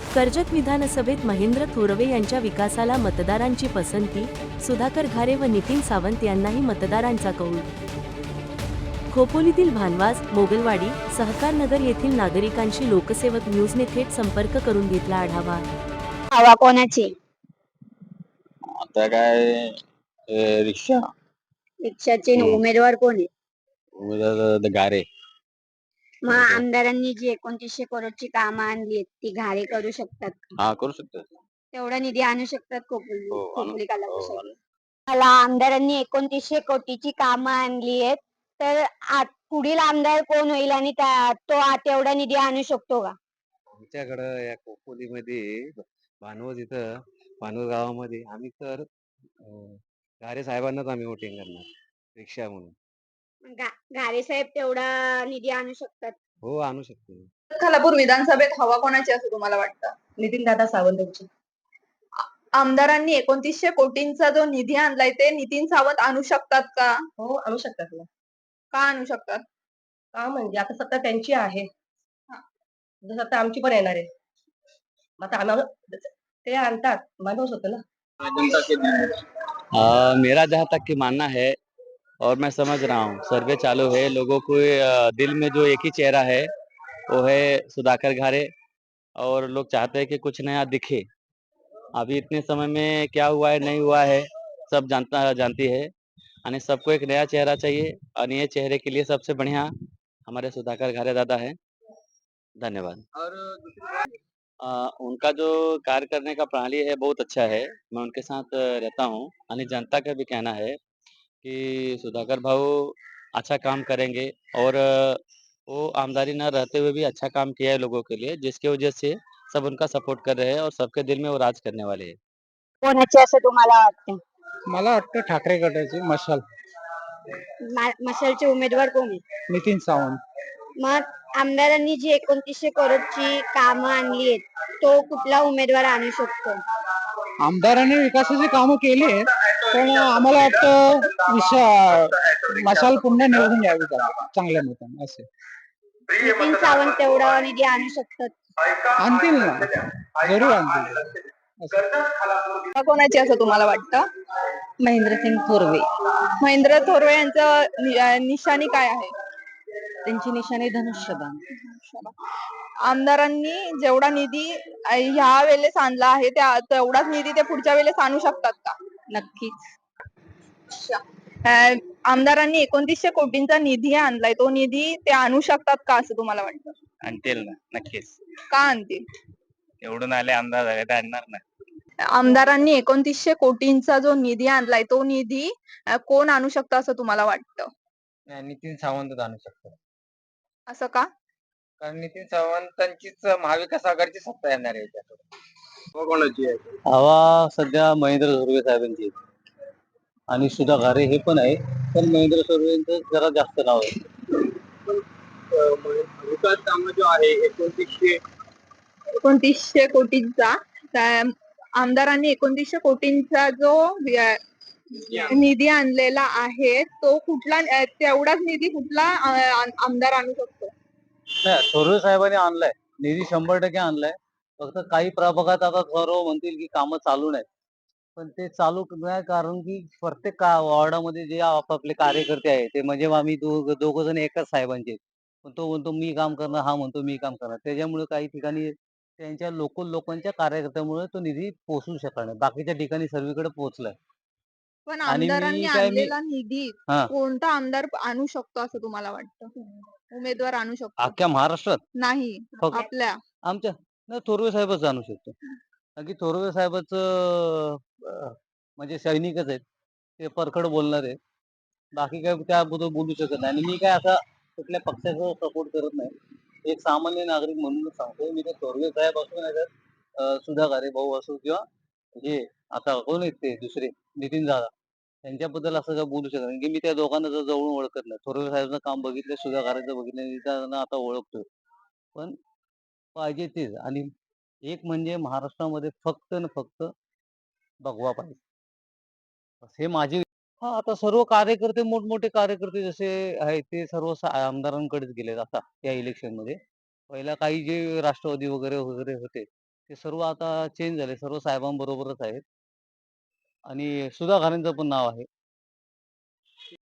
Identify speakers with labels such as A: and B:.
A: कर्जत विधानसभेत महेंद्र थोरवे यांच्या विकासाला मतदारांची पसंती, सुधाकर घारे व नितीन सावंत यांनाही मतदारांचा कौल. खोपोलीतील भानवास, मोगलवाडी, सहकारनगर येथील नागरिकांशी लोकसेवक न्यूजने थेट संपर्क करून घेतला आढावा.
B: हवा कोणाची?
C: आता काय रिक्षा
B: रिक्षाचे उमेदवार कोण आहे?
C: उमेदवार गारे.
B: मग आमदारांनी जी 2900 करोडची कामं आणली आहेत ती घारे करू शकतात का?
C: हा करू शकतो.
B: तेवढा निधी आणू शकतात खोपोली
C: हो,
B: खोपोली
C: हो,
B: कलाकुसरी? मला आमदारांनी 2900 कोटीची कामं आणली आहेत, तर पुढील आमदार कोण होईल आणि तेवढा निधी आणू शकतो का?
D: आमच्याकडं या खोपोलीमध्ये भानवस इथं भानवस गावामध्ये आम्ही तर गारे साहेबांनाच आम्ही वोटिंग करणार रिक्षा म्हणून.
B: घारे साहेब तेवढा निधी आणू शकतात?
D: हो, आणू शकतो.
E: खालापूर विधानसभेत हवा कोणाची असं तुम्हाला वाटतं?
F: नितीन दादा सावंत यांची.
E: आमदारांनी 2900 कोटींचा जो निधी आणलाय ते नितीन सावंत आणू शकतात का?
F: हो, आणू शकतात ना.
E: का आणू शकतात?
F: का म्हणजे आता सत्ता त्यांची आहे. जसं आता आमची पण येणार आहे. मग आता आम्हाला ते आणतात माणूस होतं ना.
D: मेरा जहाँ तक की मानना है और मैं समझ रहा हूँ, सर्वे चालू है, लोगों को दिल में जो एक ही चेहरा है वो है सुधाकर घारे, और लोग चाहते हैं कि कुछ नया दिखे. अभी इतने समय में क्या हुआ है नहीं हुआ है सब जानती है, आणि सबको एक नया चेहरा चाहिए, और ये चेहरे के लिए सबसे बढ़िया हमारे सुधाकर घारे दादा है. धन्यवाद. और उनका जो कार्य करने का प्रणाली है बहुत अच्छा है. मैं उनके साथ रहता हूँ, और जनता का भी कहना है कि सुधाकर भाऊ अच्छा काम करेंगे, और वो आमदारी न रहते हुए भी अच्छा काम किया है लोगों के लिए, जिसकी वजह से सब उनका सपोर्ट कर रहे हैं और सबके दिल में वो राज करने वाले हैं.
B: कोणाची असं तुम्हाला वाटतं?
G: मला वाटतं ठाकरे गटाची मशाल
B: मशालचे उमेदवार कोण आहे?
G: नितीन सावंत.
B: मग आमदारांनी जी 2900 करोडची कामं आणली आहेत, तो कुठला उमेदवार आणू शकतो?
G: आमदारांनी विकासाची कामं केली आहेत, पण आम्हाला वाटतं मशाल पुन्हा निवडून यावी चांगल्या मताने असे.
B: नितीन सावंत तेवढा निधी आणू शकतात?
G: आणतील ना, जरूर आणतील.
E: हवा कोणाची असं तुम्हाला वाटतं?
F: महेंद्रसिंग थोरवे.
E: महेंद्र थोरवे यांचं निशाणी काय आहे?
F: त्यांची निशाणी धनुष्यबाण.
E: आमदारांनी जेवढा निधी ह्या वेळेस आणला आहे तेवढाच निधी ते पुढच्या वेळेस आणू शकतात का?
F: नक्कीच.
E: आमदारांनी 2900 कोटींचा निधी आणलाय, तो निधी ते आणू शकतात का असं तुम्हाला वाटतं?
C: आणतील ना, नक्कीच.
E: का आणतील?
C: एवढून आले आमदार झाले तर आणणार ना.
E: आमदारांनी 2900 कोटींचा जो निधी आणलाय तो निधी कोण आणू शकतं असं तुम्हाला वाटतं?
G: नितीन सावंत आणू शकतो,
E: असं का?
G: कारण नितीन सावंतांचीच महाविकास आघाडीची सत्ता येणार आहे त्याच्याकडे.
C: कोणाची आहे?
D: हवा सध्या महेंद्र थोरवे साहेबांची आहे. आणि सुधा घारे हे पण आहे, पण महेंद्र थोरवेंचं जरा जास्त नाव आहे.
C: विकास कामं जो आहे
E: 2900 कोटींचा आमदारांनी 2900 कोटींचा जो निधी आणलेला आहे तो कुठला तेवढाच निधी कुठला आमदार आणू शकतो?
D: नाही, थोरवे साहेबांनी आणलाय निधी, 100% आणलाय. फक्त काही प्रभागात आता थोरवे म्हणतील की कामं चालू नाहीत, पण ते चालू नाही, कारण की प्रत्येक वॉर्डामध्ये जे आपापले कार्यकर्ते आहेत ते म्हणजे आम्ही दोघं जण एकाच साहेबांचे, पण तो म्हणतो मी काम करणार, हा म्हणतो मी काम करणार. त्याच्यामुळे काही ठिकाणी त्यांच्या लोकांच्या कार्यकर्त्यामुळे तो निधी पोहोचू शकला नाही. बाकीच्या ठिकाणी सर्वीकडे पोहोचलाय.
E: पण
D: आणि
E: आमदारांनी
D: मी काय
E: आणलेला निधी
D: हा,
E: कोणता आमदार आणू शकतो असं तुम्हाला वाटतं? उमेदवार आणू शकतो?
D: अख्ख्या महाराष्ट्रात
E: नाही,
D: फक्त
E: आपल्या
D: आमच्या नाही, थोरवे साहेबच आणू शकतो. कारण की थोरवे साहेबच म्हणजे सैनिकच आहेत, ते परखड बोलणार आहेत. बाकी काय त्याबद्दल बोलू शकत नाही. आणि मी काय आता कुठल्या पक्षाचा सपोर्ट करत नाही. एक सामान्य नागरिक म्हणूनच सांगतो. मी ते थोरवे साहेब असो नाही तर सुधा घारे भाऊ असो, किंवा हे आता कोण आहेत ते दुसरे नितीन दादा, त्यांच्याबद्दल असं काय बोलू शकत नाही, की मी त्या दोघांना जवळून ओळखत नाही. थोरवे साहेबांचं काम बघितलं, सुधा घारेचं बघितलं, नितीन दादांना आता ओळखतोय. पण पाहिजे तेच. आणि एक म्हणजे महाराष्ट्रामध्ये फक्त न फक्त भगवा पाहिजे, हे माझे. हा, आता सर्व कार्यकर्ते, मोठमोठे कार्यकर्ते जसे आहेत ते सर्व आमदारांकडेच गेलेत आता या इलेक्शन मध्ये. पहिला काही जे राष्ट्रवादी वगैरे वगैरे होते
H: ते सर्व आता चेंज झाले, सर्व साहेबांबरोबरच आहेत आणि सुधा घारेंचं पण नाव आहे.